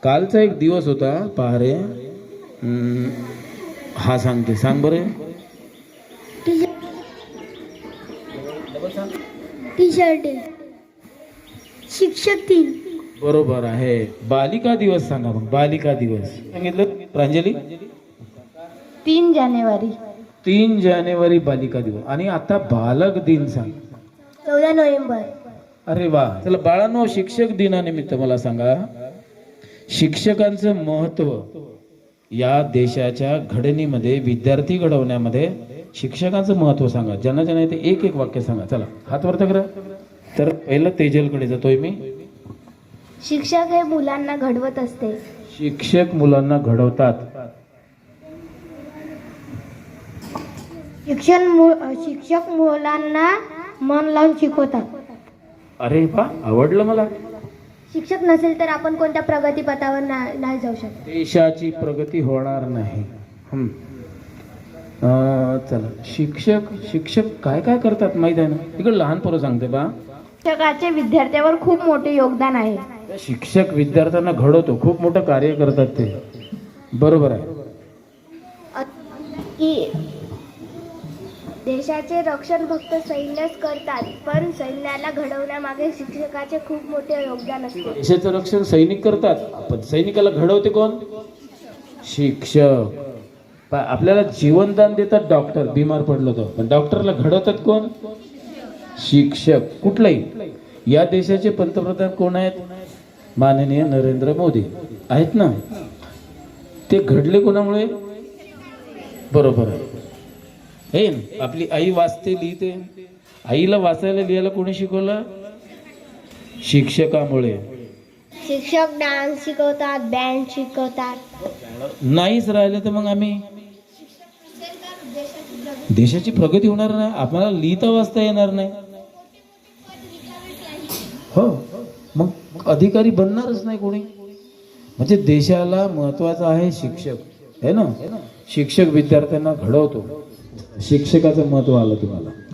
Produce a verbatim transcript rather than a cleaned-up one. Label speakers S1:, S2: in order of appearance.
S1: कालचा एक दिवस होता पहा रे. हम्म, हा सांगते, सांग बरे.
S2: टीचर डे, शिक्षक दिन.
S1: बरोबर आहे. बालिका दिवस सांगा मग. बालिका दिवस सांगितलं प्रांजली.
S2: तीन जानेवारी.
S1: तीन जानेवारी बालिका दिवस. आणि आता बालक दिन सांग.
S2: चौदा नोव्हेंबर.
S1: अरे वा. चला बाळांनो, शिक्षक दिनानिमित्त मला सांगा, शिक्षकांचं महत्व या देशाच्या घडणीमध्ये, विद्यार्थी घडवण्यामध्ये शिक्षकांचं महत्व सांगा. ज्यांना ज्यांना ते एक एक वाक्य सांगा. चला हात वरती करा. तर पहिलं तेजलकडे जातोय मी.
S2: शिक्षक हे मुलांना घडवत असते.
S1: शिक्षक मुलांना घडवतात.
S2: शिक्षण शिक्षक मुलांना मन लावून शिकवतात.
S1: अरे वा, आवडलं मला.
S2: शिक्षक नसेल तर आपण कोणत्या प्रगतीपथावर ना- नाही जाऊ शकत.
S1: देशाची प्रगती होणार नाही. हम्म. अं, चला शिक्षक शिक्षक काय काय करतात माहित आहे ना. इकडे लहान पोरं सांगते बा.
S2: शिक्षकाचे विद्यार्थ्यावर खूप मोठे योगदान आहे.
S1: शिक्षक विद्यार्थ्यांना घडवतो, खूप मोठं कार्य करतात ते. बरोबर आहे.
S2: की देशाचे रक्षण फक्त सैन्यच करतात, पण सैन्याला घडवण्यामागे शिक्षकाचे खूप मोठे योगदान असते.
S1: देशाचं रक्षण सैनिक करतात, पण सैनिकाला घडवते कोण? शिक्षक. पा- आपल्याला जीवनदान देतात डॉक्टर, बिमार पडलो तर, पण डॉक्टरला घडवतात कोण? शिक्षक. कुठलाही. या देशाचे पंतप्रधान कोण आहेत? माननीय नरेंद्र मोदी आहेत ना. ते घडले कोणामुळे? बरोबर आहे. हे न, आपली आई वाचते, लिहिते. आईला वाचायला लिहायला कोणी शिकवलं? शिक्षकामुळे.
S2: शिक्षक डान्स शिकवतात, बँड शिकवतात.
S1: नाहीच राहिलं तर मग आम्ही, देशाची प्रगती होणार नाही. आपल्याला लिहिता वाचता येणार नाही. हो, मग अधिकारी बनणारच नाही कोणी. म्हणजे देशाला महत्वाचं आहे शिक्षक, है ना. शिक्षक विद्यार्थ्यांना घडवतो. शिक्षकाचं महत्व आलं तुम्हाला.